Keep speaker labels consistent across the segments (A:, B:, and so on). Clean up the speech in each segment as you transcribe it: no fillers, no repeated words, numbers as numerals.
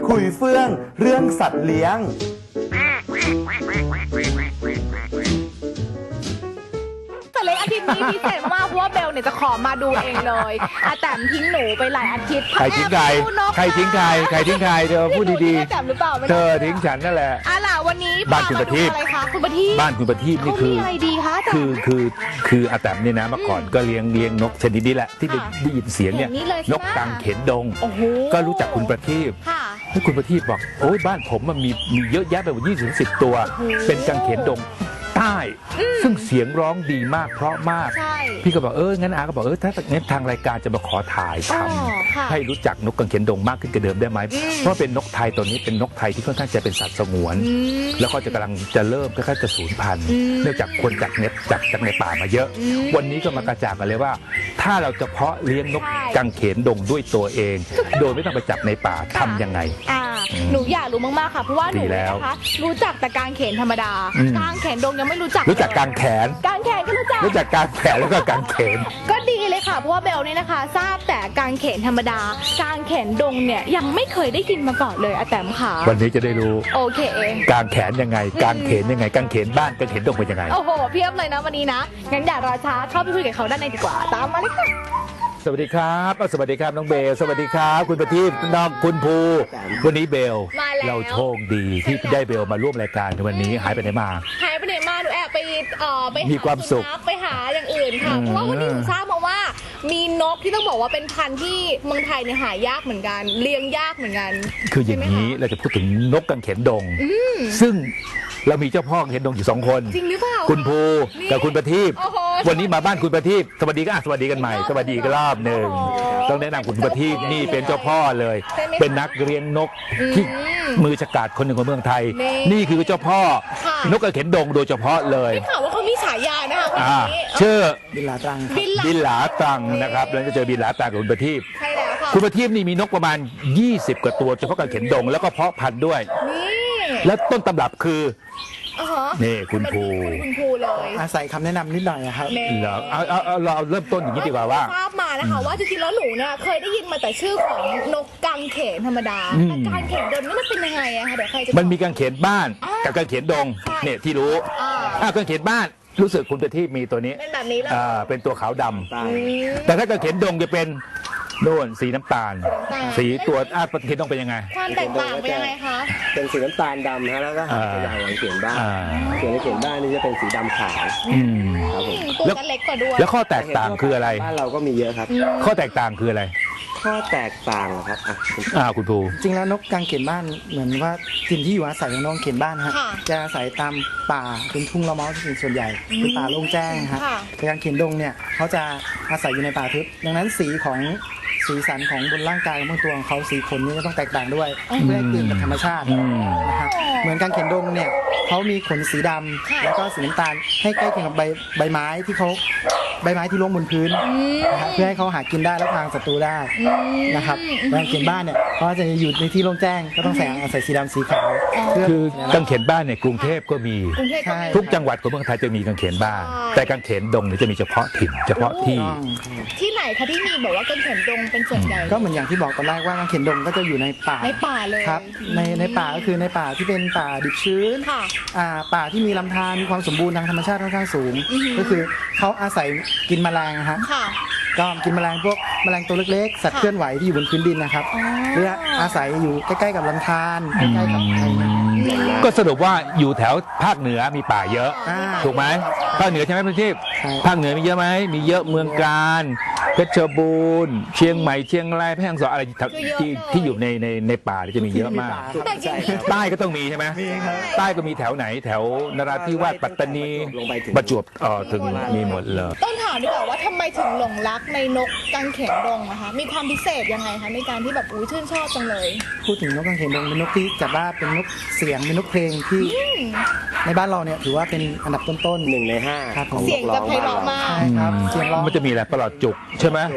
A: คุยเฟื่องเรื่องสัตว์เลี้ยง
B: แต่เลยอาทิตย์นี้พิเศษมากเพราะว่าเบลเนี่ยจะขอมาดูเองเลยอาแตมทิ้งหนูไปหลายอาทิตย์
C: ใครทิ้งใครใครทิ้งใครใครทิ้งใครเธอพูดดี
B: อาแตมหรือเปล่าไม่
C: ๆเธอทิ้งฉันนั่นแหละ
B: ล่ะวันนี้
C: บ้านคุณประทีป
B: อะไรคะคุณประทีป
C: บ้านคุณประทีปนี่คือ
B: เขามีอะไรดีคะอาแตม
C: คืออาแตมเนี่ยนะเมื่อก่อนก็เลี้ยงนกชนิดนี้แหละที่ได้ยินเสียงเนี่ย
B: เห็นนี่เลยใช่ไหม
C: นกกังเขนดง
B: โอ้โห
C: ก็รู้จักคุณประทีป
B: ค่ะ
C: ให้คุณประทีปบอกโอ้ยบ้านผมมันมีเยอะแยะไปหมด20-10 ตัว
B: โอ้โห
C: เป็นกังเขนดงใต้ซึ่งเสียงร้องดีมากเพราะมาก
B: ใช่
C: พี่ก็บอกงั้นอาก็บอกถ้างั้นทางรายการจะมาขอถ่ายท
B: อ๋อค่ะ
C: ำให้รู้จักนกกังเขนดงมากขึ้นกว่าเดิมได้ไหมเพราะเป็นนกไทยตัวนี้เป็นนกไทยที่ค่อนข้างจะเป็นสัตว์สงวน แล้วก็จะกำลังจะเริ่มค่อยๆจะสูญพันธุ์เนื่องจากคนจากในป่ามาเยอะ วันนี้ก็มากระจ่างกันเลยว่า ถ้าเราจะเพาะเลี้ยงนกกังเขนดงด้วยตัวเอง โดยไม่ต้องไปจับในป่าทำยังไง
B: หนูอยากรู้มากๆค่ะเพราะว่าหนู
C: ดีแล้ว
B: นะคะรู้จักแต่กางเขนธรรมดา กางเขนดงยังไม่รู้จัก
C: รู้จักกางแขน
B: กางเขนก็รู้จัก
C: รู้จักกางแขนแล้วก็กางเขน
B: ก็ดีเลยค่ะเพราะว่าเบลเนี่ยนะคะ ทราบแต่กางเขนธรรมดากางเขนดงเนี่ยยังไม่เคยได้ยินมาก่อนเลยอาแตมค่ะ
C: วันนี้จะได้รู้
B: โอเค
C: กางแขนยังไงกางเขนยังไงกางเขนบ้านกางเขนดงเป็นยังไง
B: โอ้โหเพียบเลยนะวันนี้นะงั้นอย่ารอช้าเข้าไปคุยกับเขาด้านในดีกว่าตามมาเลยค่ะ
C: สวัสดีครับสวัสดีครับน้องเบลสวัสดีครับคุณประทีปน้องคุณภูวันนี้เบล
B: มาแล้ว
C: เราโชคดีที่ได้เบลมาร่วมรายการในวันนี้หายไปไหนมา
B: หายไปไหนมาหนูแอบไปไปห
C: มีความสุข
B: ไปหาอย่างอื่นค่ะ
C: อืม
B: เพราะว่าวันนี้หนูทราบมาว่า มีนกที่ต้องบอกว่าเป็นพันธุ์ที่เมืองไทยเนี่ยหายากเหมือนกันเลี้ยงยากเหมือนกัน
C: คืออย่างนี้เราจะพูดถึงนกกังเขนดง ซึ่งเรามีเจ้าพ่อกังเขนดงอยู่2 คน
B: จริงหรือเปล่า
C: คุณภูกับคุณประทีป
B: โอ้โห
C: วันนี้มาบ้านคุณประทีปสวัสดีก็สวัสดีกันใหม่สวัสดีกันรอบหนึ่ง
B: โอ้โห
C: ต้องแนะนำคุณประทีปนี่เป็นเจ้าพ่อเลย
B: ใช่ไหมคะ
C: เป็นนักเลี้ยงนกที่มือฉกาจคนหนึ่งของเมืองไทย
B: นี่
C: นี่คือเจ้าพ่อ
B: ค่ะ
C: นกกังเขนดงโดยเฉพาะเลย
B: ได้ข่าวว่าเขามีฉายานะคะวัน
C: อ่า
B: นี้
C: ชื่อ
A: บิลลาตรังครับ
B: บินหลั
C: บินหลาตังนะครับแล้วจะเจอบินหลาตังกับคุณประทีป
B: ใช่แล้วค่ะ
C: คุณประทีปนี่มีนกประมาณ 20 กว่าตัวเฉพาะกังเขนดงแล้วก็เพาะพันธุ์ด้วย
B: นี่
C: แล้วต้นตำรับคือ
B: อ่าฮะ
C: นี่คุณภู
B: คุณภูเลย
A: อาศัยคำแนะนำนิดหน่อยอะครับ
B: นี่
C: เหรอเราเริ่มต้นอย่างนี้ดีกว่าว่า
B: ทราบมานะคะว่าจริงๆแล้วหนูเนี่ยเคยได้ยินมาแต่ชื่อของนกกังเขนธรรมดา
C: อืม
B: แต่กังเขนดงนี่มันเป็นยังไงอะคะเดี๋ยวใครจะ
C: มันมีกังเขนบ้านกับกังเขนดง
B: ใช่
C: เนี่ยที่รู้ กังเขนบ้านรู้สึกคุณประทีปมีตัวนี้
B: เป็นแบบนี้เลย
C: เป็นตัวขาวดำ
B: อืม
C: แต่ถ้ากังเขนดงจะเป็นโน่นสีน้ำตาล
B: น้ำตาล
C: สีตัวกังเขนดงเป็นยังไง
B: ความแตกต่างเป็นยังไงคะ
D: เป็นสีน้ำตาลดำฮะแล้วก็หางจะใหญ่กว่าเขียนบ้าน
C: อ่า
D: ส่วนในเขียนบ้านนี่จะเป็นสีดำขาว
C: อืม
D: ครับผม
B: ตัวก็เล็กกว่าด้วย
C: แล้วข้อแตกต่างคืออะไร
D: บ้านเราก็มีเยอะครับ
C: ข้อแตกต่างคืออะไร
D: ข้อแตกต่างเหรอครับอ่ะคุณ
C: คุณภู
A: จริงแล้วนกกางเขนบ้านเหมือนว่าถิ่นที่อยู่อาศัยของนกกางเขนบ้านฮะ
B: ค่ะ
A: จะอาศัยตามป่าเป็นทุ่งละเมาเป็นส่วนใหญ่เป็นป่าโล่งแจ้งฮะ
B: ค่ะ
A: แต่กางเขนดงเนี่ยเขาจะอาศัยอยู่ในป่าทึบดังนั้นสีสันของบนร่างกายของบางตัวของเขาสีขนนี่จะต้องแตกต่างด้วยเพื่อให้กลืนกับธรรมชาตินะครับเหมือนกางเขนดงเนี่ยเขามีขนสีดำ
B: ค่ะ
A: แล้วก็สีน้ำตาลให้ใกล้เคียงกับใบไม้ที่ร่วงบนพื้นนะครับเพื่อให้เขาหากินได้และพรางศัตรูได้นะครับกางเขนบ้านเนี่ยเขาจะอยู่ในที่โล่งแจ้งก็ต้องอาศัยสีดำสีขาวเพื่อ
C: คือกังเขนบ้านเนี่ยกรุงเทพก็มี
B: กรุงเทพก็มี
A: ใช่
C: ทุกจังหวัดของเมืองไทยจะมีกังเขนบ้าน
B: ใช่
C: แต่กังเขนดงเนี่ยจะมีเฉพาะถิ่นเฉพาะที่
B: ที่ไหนคะที่มีแบบว่ากังเขนดงเป็นส่วนใหญ่
A: ก็เหมือนอย่างที่บอกตอนแรกว่ากางเขนดงก็จะอยู่ในป่า
B: ในป่าเลย
A: ครับในป่าก็คือในป่าที่เป็นป่าดิบชื้น
B: ค่ะ
A: ป่าที่มีลำธารมีความสมบูรณ์ทางธรรมชาติค่อนข้างสูง ก็คือเขาอาศัยกินแมลงนะฮะ
B: ค่ะ
A: ก็กินแมลงพวกแมลงตัวเล็กๆ สัตว์เคลื่อนไหวที่อยู่บนพื้นดินนะครับ
B: อ๋อ
A: หรืออาศัยอยู่ใกล้ๆกับลำธารใกล้ๆกับอะไรเงี้ย
C: ก็สรุปว่าอยู่แถวภาคเหนือมีป่าเยอะ
A: อ่า
C: ถูกไหมภาคเหนือใช่ไหมพี่ทิพย์
A: ใช่
C: ภาคเหนือมีเยอะไหมมีเยอะเมืองการเพชรบูรณ์เชียงใหม่เชียงรายแพร่ฮ่องสอนอะไรที่อยู่ในป่าที่จะมีเยอะมาก
B: แต่จริงๆ
C: ใต้ก็ต้องมีใช่ไหม
A: มีครับ
C: ใต้ก็มีแถวไหนแถวนราธิวาสปัตตานี
D: ลงไปถึง
C: ประจวบถึงมีหมดเลย
B: ต้องถามดีกว่าว่าทำไมถึงหลงรักในนกกังเขนดงนะคะมีความพิเศษยังไงคะในการที่แบบอุ้ยชื่นชอบจังเลย
A: พูดถึงนกกางเขนดงเป็นนกที่จัดว่าเป็นนกเสียงเป็นนกเพลงที่ในบ้านเราเนี่ยถือว่าเป็นอันดับต้นๆ
D: 1 ใน 5
A: ครับ
D: ของ
B: เสี
D: น
B: ยง
D: กร้
B: จะ
D: อง
B: ไพเราะมาก
A: ใช่ครับเสียงร้อง
C: มันจะมีอะไรประหลอดจุกใช่ไหม
B: ค่ะ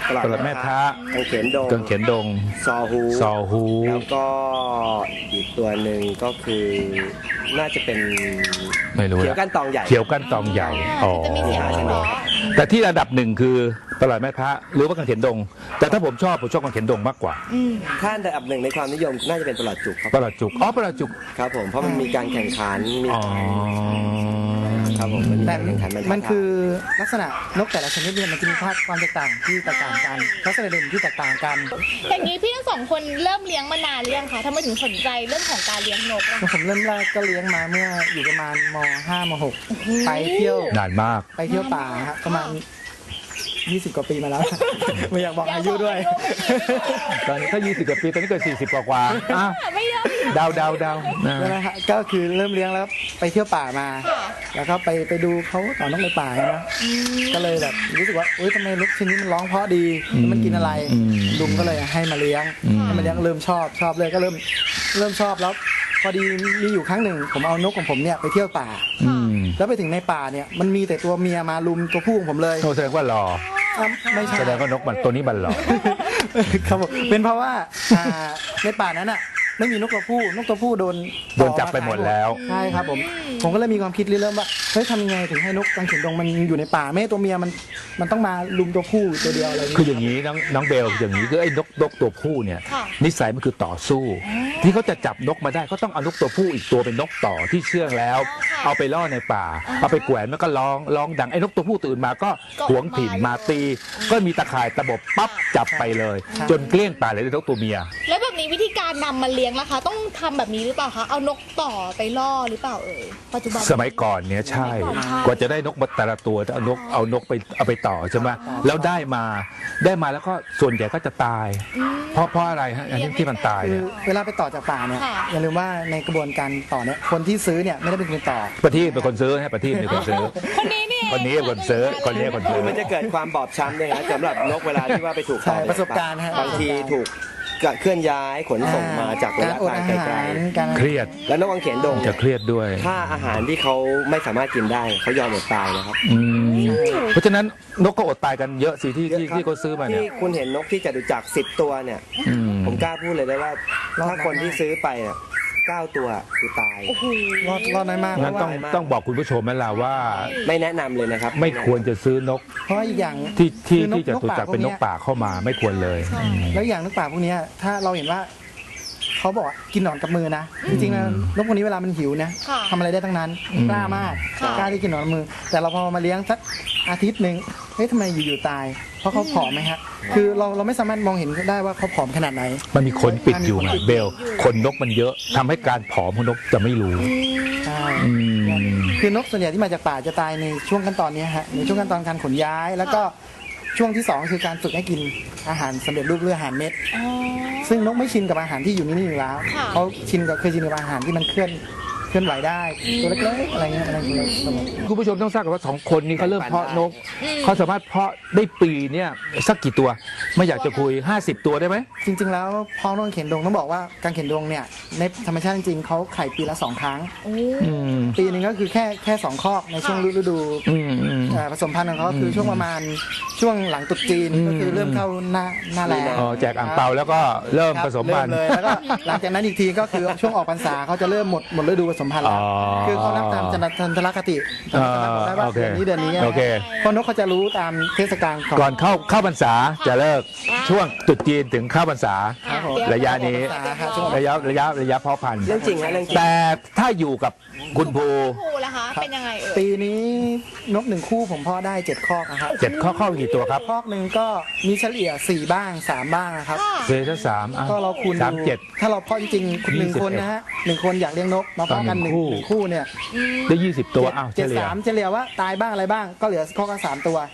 C: ตลาดแม่ท้า
D: กังเขนดง
C: กังเขนดง
D: ซอฮู
C: ซอฮู
D: แล้วก็อีกตัวหนึ่งก็คือน่าจะเป็น
C: ไม่รู้
D: เขียว
C: ละ
D: ก้านตองใหญ่
C: เขียวก้านตองใหญ่อ๋อ
B: จะมีเสียงเฉพาะ
C: แต่ที่ระดับหนึ่งคือตลาดแม่พระหรือว่ากังเขนดง แต่ถ้าผมชอบกังเขนดงมากกว่า
D: ถ้าอันดับหนึ่งในความนิยมน่าจะเป็นตลาดจุกครับ
C: ประหลัดจุกอ๋อประหลัดจุก
D: ครับผมเพราะมันมีการแข่งขันมี
C: อ๋อ
D: ครับผมมันมี
A: แต่
D: การแข่งขัน
A: มันคือลักษณะนกแต่ละชนิดเนี่ยมันจะมีความแตกต่างที่แตกต่างกันลักษณะเด่นที่แตกต่างกัน
B: อย่างนี้พี่ทั้งสองคนเริ่มเลี้ยงมานานหรือยังคะทำไมถึงสนใจเรื่องของการเลี้ยงนกอะ
A: ผมเริ่มแรกก็เลี้ยงมาเมื่ออยู่ประมาณม.5 ม.6 ไปเที่ยวน
C: านมาก
A: ไปเที่ยวป่าครับประมาณ 20 กว่าปีมาแล้ว ไม่อยากบอกอายุด้วย
C: ตอนนี้ถ้า20 กว่าปีตอนนี้เกิด40 กว่าอ่ะ
B: ไม่เยอะไม่เยอะ
C: เดานะ
A: นะฮะก็คือเริ่มเลี้ยงแล้วไปเที่ยวป่ามา
B: ค่ะ
A: แล้วก็ไปดูเขาต่อนกในป่านะก็เลยแบบรู้สึกว่าอุ้ยทำไมนกชนิดนี้มันร้องเพราะดีแล้วมันกินอะไรลุงก็เลยให้มาเลี้ยงเริ่มชอบเลยก็เริ่มชอบแล้วพอดีมีอยู่ครั้งหนึ่งผมเอานกของผมเนี่ยไปเที่ยวป่า
C: อืม
A: แล้วไปถึงในป่าเนี่ยมันมีแต่ตัวเมียมาลุมตัวผู้ของผมเลย
C: โทษแสดงว่าหล่อ
A: ไม่ใช่
C: แสดงว่านกมันตัวนี้มันหล่อ
A: ครับผมเป็นเพราะว่าในป่านั้นอ่ะไม่มีนกตัวผู้โดน
C: โดนจับไปหมดแล้ว
A: ใช่ครับผมก็เลยมีความคิดเริ่มว่าเฮ้ยทำยังไงถึงให้นกกังเขนดงมันอยู่ในป่าไม่ให้ตัวเมียมันต้องมาลุมตัวผู้ตัวเดียวอะไรอย่าง
C: คือ
A: เงี้ย
C: อย่างนี้น้องเบลอย่างนี้คือไอ้นกตัวผู้เนี่ย
B: ค่ะ
C: นิสัยมันคือต่อสู้ ที่เขาจะจับนกมาได้เขาต้องเอานกตัวผู้อีกตัวเป็นนกต่อที่เชื่องแล้ว เอาไปล่อในป่า เอาไปแขวนมันก็ร้องดังไอ้นกตัวผู้ตื่นมาก็หวงถิ่นมาตี ก็มีตะข่ายตะบบปั๊บจับไปเลย จนเกลี้ยงป่าเลยนกตัวเมีย
B: แล้วแบบนี้วิธีการนำมาเลี้ยงล่ะคะ ต้องทำแบบนี้หรือเปล่าคะเอานกต่อไปล่อหรือเปล่าเอ่ยปัจจุบัน
C: สมัยก่อนเนี่ยใช่
B: สมัยก่อนใช่
C: กว่าจะได้นกมาแต่ละตัวเอานกเอาไปต่อใช่ไหมแล้วได้มาแล้วก็ส่วนใหญ่ก็จะตาย เพราะอะไรฮะอันนี้ที่มันตาย
A: คือ
C: เนี่ย
A: เวลาไปต่อจากป่าเนี่ย
B: ค่ะ
A: อย่าลืมว่าในกระบวนการต่อเนี่ยคนที่ซื้อเนี่ยไม่ได้เป็นคนต่อ
C: ประทีปเป็นคนซื้อให้ประทีปเป็นคนซื้อ
B: คนนี้นี่
C: คนนี้เป็นคนซื้อคนนี้คนซื้
D: คือมันจะเกิดความบอบช้ำเนี่ยนะสำหรับนกเวลาที่ว่าไปถูก
A: ใช่
D: ต่อ
A: ประสบการณ์ฮะ
D: บางทีถูกเคลื่อนย้ายขนส่งมาจากระ
A: การ
D: ยะ
A: อด
D: ทาง
A: อา
D: ไก
A: หา
D: ล
A: รการ
C: เครียด
D: ๆแล้วนกกังเขนดง
C: จะเครียดด้วย
D: ถ้าอาหารที่เขาไม่สามารถกินได้เขายอมอดตายนะครับ
C: อืมเพราะฉะนั้นนกก็อดตายกันเยอะสิที่เขาซื้อมาเนี่ย
D: ที่คุณเห็นนกที่จตุจักร10 ตัวเนี่ย
C: อืม
D: ผมกล้าพูดเลยได้ว่าถ้าคนที่ซื้อไปเนี่ย9 ตัวคือตาย
B: โอ้โห
A: รอดน้อยมาก
C: งั้นต้องบอกคุณผู้ชมไหมล่ะว่า
D: ไม่แนะนำเลยนะครับ
C: ไม่ควรจะซื้อนก
A: เพราะว่าอีกอย่าง
C: ที่
A: คือนก
C: จะถูกจับเป็นนกป่าเข้ามาไม่ควรเลย
A: แล้วอย่างนกป่าพวกเนี้ยถ้าเราเห็นว่าเขาบอกว่ากินหนอนกับมือนะจริงๆแล้วนกพวกนี้เวลามันหิวนะ
B: ค่ะ
A: ทำอะไรได้ทั้งนั้นกล้ามาก
B: ค่ะ
A: กล้าที่กินหนอนกับมือ แต่เราพอมาเลี้ยงสักอาทิตย์หนึ่งเฮ้ยทำไมอยู่ๆตาย เพราะเขาผอมไหมฮะคือเราไม่สามารถมองเห็นได้ว่าเขาผอมขนาดไหน
C: มันมีขนปิดอยู่ไงเบลขนนกมันเยอะทำให้การผอมของนกจะไม่รู้
A: ใช่
C: อืม
A: คือนกส่วนใหญ่ที่มาจากป่าจะตายในช่วงขั้นตอนเนี้ยฮะในช่วงขั้นตอนการขนย้าย แล้วก็ช่วงที่2คือการฝึกให้กินอาหารสำเร็จรูปหรืออาหารเม็ด
B: อ๋อ
A: ซึ่งนกไม่ชินกับอาหารที่อยู่นิ่งๆอยู่แล้ว
B: ค่ะ
A: เขาเคยชินกับอาหารที่มันเคลื่อนไหวได้ตัวเล็กๆอะไรเงี้ยอะไรเงี้ยครับผม
C: คุณผู้ชมต้องทราบกันว่า2 คนนี้เขาเริ่มเพาะนกเขาสามารถเพาะได้ปีเนี่ยสักกี่ตัว ไม่อยากจะคุย50 ตัวได้ไหม
A: จริงๆแล้วพอนกเข็นดงต้องบอกว่าการเข็นดงเนี่ยในธรรมชาติจริงๆเขาไข่ปีละ2 ครั้ง
B: โอ้
C: อืม
A: ปีหนึ่งก็คือแค่2 คอกในช่วงฤดู
C: อืม
A: ผสมพันธุ์ของเขาก็คือช่วงประมาณช่วงหลังตรุษจีนก็คือเริ่มเข้าหน้าแล้ง
C: อ๋อแจกอ่างเปาแล้วก็เริ่มผสมพันธุ์
A: เริ่เลยแล้วก็หลังจากนั้นอีกทีก็คือช่วงออกพรรษาเขาจะเริ่มหมดฤดูผสมพันธุ์แล้ว
C: อ๋อ
A: คือเขานับตามจันทรคติสามารถบอกได้ว่า
C: โอเค
A: เดือนนี้
C: โอเค
A: เพราะนกเขาจะรู้ตามเทศกาลของ
C: ก่อนเข้าพรรษาจะเลิกช่วงตรุษจีนถึงเข้าพรรษา
A: ครับผม
C: ระยะนี้ ระยะเพาะพันธุ์
D: เรื่องจริงนะเรื่องจริง
C: แต่ถ้าอยู่กับคุณภู
B: ครูล่ะคะ เป็นยังไงเอ่ย
A: ปีนี้นก1 คู่ผมเพาะได้7 คอกนะครับ
C: 7 ข้อกี่ตัวครับ
A: คอกหนึ่งก็มีเฉลี่ย4 บ้าง3 บ้างนะครับ
B: ค่ะ
C: เซซ่า3อ่ะ
A: ก็เราคูณ
C: สาม
A: ดู
C: เจ็ด
A: ถ้าเราเพาะจริงๆคุณหนึ่ง
C: 21
A: คนนะฮะ1 คนอยากเลี้ยงนกมาเพาะกัน
C: ต่อหนึ่
A: ห
C: ง
A: นึ่ง
C: คู่
A: คู่เนี่ย
C: ได้20 ตัวอ้าวเฉ
A: เจ็ด
C: ลี่ย
A: สามเฉลี่ยว่าตายบ้างอะไรบ้างก็เหลือข้อก็3 ตัว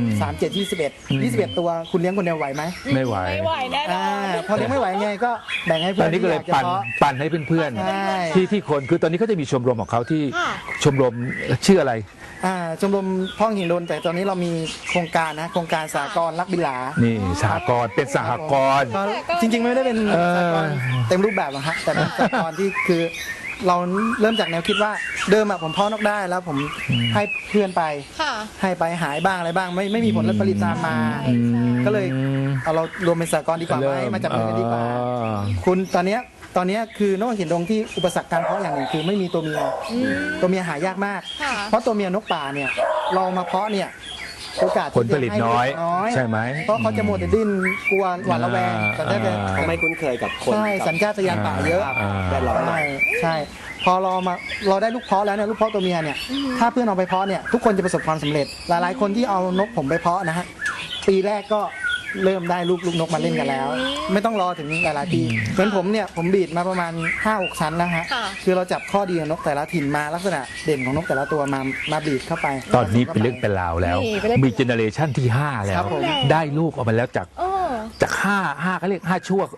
A: 3 7 21ตัวคุณเลี้ยงคนเดียวไหวไหม
C: ไม่ไหว
B: ไม่ไหวแน่นอน
A: พอเลี้ยงไม่ไหวไงก็แบ่งให้
C: ต
A: เพื่
C: อ
A: อน น
C: นี้ก็เลย
A: ที่อากจะ
C: ปั่นให้เพื่อน
A: ใช่
C: ๆที่คนคือตอนนี้เขาจะมีชมรมของเขาที่
B: ค่ะ
C: ชมรมชื่ออะไร
A: ชมรมพ่อหินโดนแต่ตอนนี้เรามีโครงการนะโครงการสากลรักบิลา
C: นี่สหกรณ์เป็นสหกรณ์
A: ก็จริงๆไม่ได้เป็น
C: เออ
A: สากลเต็มรูปแบบหรอกฮะแต่เป็นสากลที่คือเราเริ่มจากแนวคิดว่าเดิมอะผมเพาะนกได้แล้วผมให้เพื่อนไป
B: ค่ะ
A: ให้ไปหายบ้างอะไรบ้างไม่มีผลผลิตตามมา ก็เลยเอาเรารวมเป็นสหกรณ์ดีกว่าไหมมาจับมือกันดีกว่า คุณตอนเนี้ยคือนกเขียนดงที่อุปสรรคการเพาะอย่างหนึ่งคือไม่มีตัวเมียตัวเมียหายากมาก
B: ค่ะ
A: เพราะตัวเมียนกป่าเนี่ยเรามาเพาะเนี่ยโอกาส
C: ผลผลิตน้อยใช่ไหม
A: เพราะเขาจะมัวแต่ดิ้นกลัวหวาดระแวงแต่ถ้าจะ
D: เขาไม่คุ้นเคยกับคน
A: ใช่สัญชาตญาณป่าเยอะ
D: แวดล้อมใหม่
A: ใช่พอเราได้ลูกเพาะแล้วเนี่ยลูกเพาะตัวเมียเนี่ยถ้าเพื่อนเอาไปเพาะเนี่ยทุกคนจะประสบความสำเร็จหลายๆคนที่เอานกผมไปเพาะนะฮะปีแรกก็เริ่มได้ลูกนกมาเล่นกันแล้ว ไม่ต้องรอถึงหลายๆปีเหมือนผมเนี่ยผมบีดมาประมาณ 5-6 ชั้นแล้วฮะ
B: ค่ะ
A: คือเราจับข้อดีของนกแต่ละถิ่นมาลักษณะเด่นของนกแต่ละตัวมาบีดเข้าไป
C: ตอนนี้เป็นเรื่องเป็นราวแล้ว
B: นี่เป็นเรื่องเป็นราว
C: มีเจเนอเรชันที่ 5 แล้
A: ครั
C: ว
A: บผม
C: ได้ลูกออกมาแล้วจาก
B: โอ้
C: จาก5เขาเรียก5ชั่ว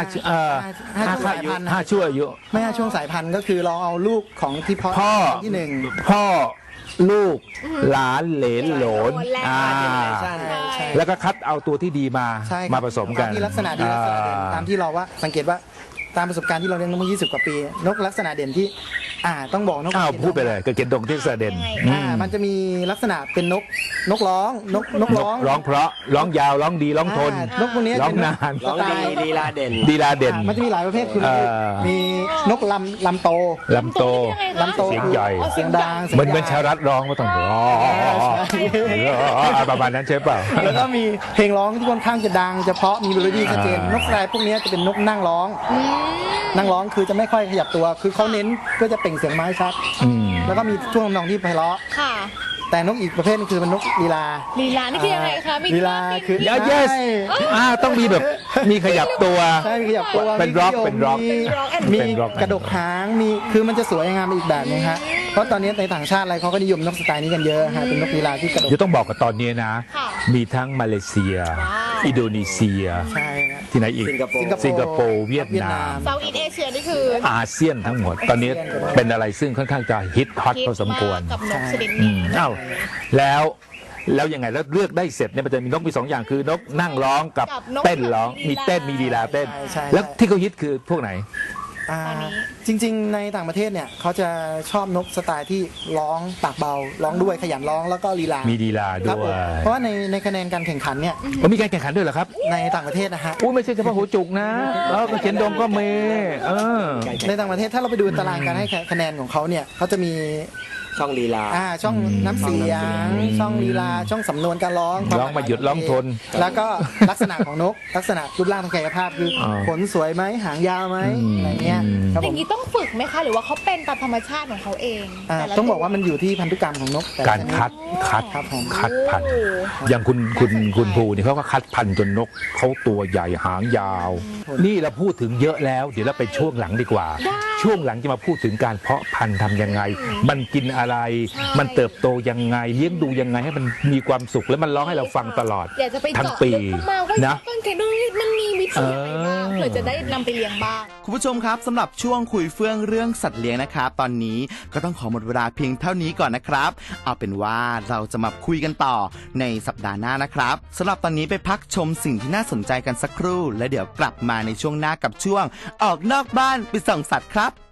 C: 5ชั่วอายุ
A: ไม่ใช่ช่วงสายพันธุ์ก็คือเราเอาลูกของที่เพาะ
C: พ่อ
A: ที่หนึ่ง
C: พ่อลูกหลานเหลนโหลน
A: ใช่ใช่
C: แล้วก็คัดเอาตัวที่ดีมา
A: ใช่ครับ
C: มาผสมกัน
A: ตามที่ลักษณะดีลักษณะเด่นตามที่เราว่าสังเกตว่าตามประสบการณ์ที่เราเลี้ยงนกมา20 กว่าปี นกลักษณะเด่นที่ต้องบอกนก
C: อ้าว
A: เขียน
C: พูดไปเลยก็เกณฑ์ดงที่เสด็จ
A: มันจะมีลักษณะเป็นนกร้องนกร้อง
C: ร้องเพราะร้องยาวร้องดีร้องทน
A: นกพวกนี้
C: ร้อง
A: เป็น
C: นาน
D: ร้องดีลีลาเด่น
C: ดีลาเด่น
A: มันจะมีหลายประเภทคือมีนกลำโต
C: ลำโต
A: ลำโต
C: เสียงใหญ่
A: เสียงดัง
C: เหมือนชาวรัฐร้องก็ต้องร้องประมาณนั้นใช่เปล่า
A: แล้วก็มีเพลงร้องที่ค่อนข้างจะดังจะเพราะมีเมโลดี้ชัดเจนนกสไลพวกนี้จะเป็นนกนั่งร้องนั่งร้องคือจะไม่ค่อยขยับตัว คือเขาเน้นเพื่อจะเปล่งเสียงไม้ชัด แล้วก็มีท่วงทำนองที่ไพเราะ
B: ค่ะ
A: แต่นกอีกประเภทนึงคือเป็นนกลีลา
B: ลีลานี่คือยังไงคะมี
A: ลีลาคือ
C: เยสต้องมีแบบมีขยับตัว
A: ใช่มีขยับตัว
C: เป็นร็อก
A: มี
C: เป็นร็อก
A: มี
C: เป็นร็อก
A: กระดกหางมีคือมันจะสวยงามไปอีกแบบนึงฮะเพราะตอนนี้ในต่างชาติอะไรเขาก็นิยมนกสไตล์นี้กันเยอะฮะเป็นนกลีลาที่กระดก
C: เดี๋ยวต้องบอกกับตอนนี้นะ
B: ค่ะ
C: มีทั้งมาเลเซีย
B: ว้าว
C: อินโดนีเซีย
A: ใช่ฮะ
C: ที่ไหนอีก
D: สิงคโปร์
C: สิงคโปร์เวียดนาม
B: เซาท์อีสเอเชียนี่คือ
C: อาเซียนทั้งหมด ตอนนี้เป็นอะไรซึ่งค่อนข้างจะฮิตฮอตพอสมควร
B: กับนกชนิด
C: อื
B: นี้
C: มอ้าวแล้วยังไงแล้วเลือกได้เสร็จเนี่ยมันจะมีนกมี2 อย่างคือนกนั่งร้องกับเต้นร้องมีเต้นมีลีลาเต้น
A: ใช่
C: แล้วที่เขาฮิตคือพวกไหน
B: ตอนนี้
A: จริงๆ ในต่างประเทศเนี่ยเขาจะชอบนกสไตล์ที่ร้องปากเบาร้องด้วยขยันร้องแล้วก็ลีลา
C: มีลีลา
A: ค
C: ด้
A: รับ
C: ว
A: ผม
C: ย
A: เพราะว่าในคะแนนการแข่งขันเนี่ย
C: มีการแข่งขันด้วยเหรอครับ
A: ในต่างประเทศนะฮะ
C: อู้ไม่ใช่เฉพาะหัวจุกนะก็เขียนดงก็มี
A: ในต่างประเทศถ้าเราไปดูตารางการให้คะแนนของเขาเนี่ยเขาจะมี
D: ช่องลีลา
A: ช่องน้ำเสียงช่องลีลาช่องสำนวนการร้อง
C: ร้องมาหยุดร้องทน
A: แล้วก็ลักษณะของนก ลักษณะรูปร่างทางกายภาพคือขนสวยไหมหางยาวไหมอะไรเงี้ยครับ
B: อ
A: ผ
B: ย่าม งนี้ต้องฝึกไหมคะ หรือว่าเขาเป็นตามธรรมชาติของเขาเองแต่ละ
A: ต้องบอกว่ามันอยู่ที่พันธุกรรมของนกแต่ละ
C: การ
A: ชนิด
C: คัด
A: ครับผม
C: คัดพันธุ์อย่างคุณภูนี่เขาก็คัดพันธุ์จนนกเขาตัวใหญ่หางยาว นี่เราพูดถึงเยอะแล้ว เดี๋ยวเราไปช่วงหลังดีกว่า ช่วงหลังจะมาพูดถึงการเพาะพันธุ์ทำยังไง มันกินอะไร มันเติบโตยังไงเลี้ยงดูยังไงให้มันมีความสุขแล้วมันร้องให้เราฟังตลอด
B: อยากจะไป
C: ทั้ง
B: เจาะ
C: ปี
B: ลึกเข้ามาว่า
C: นะ
B: ต้นเคนดงนี่มันมีวิธียังไงบ้างเผื่อจะได้นำไปเลี้ยงบ้าง
E: คุณผู้ชมครับสำหรับช่วงคุยเฟื่องเรื่องสัตว์เลี้ยงนะครับตอนนี้ก็ต้องขอหมดเวลาเพียงเท่านี้ก่อนนะครับ เอาเป็นว่าเราจะมาคุยกันต่อในสัปดาห์หน้านะครับสำหรับตอนนี้ไปพักชมสิ่งที่น่าสนใจกันสักครู่ และเดี๋ยวกลับมาในช่วงหน้ากับช่วงออกนอกบ้านไปส่องสัตว์ครับ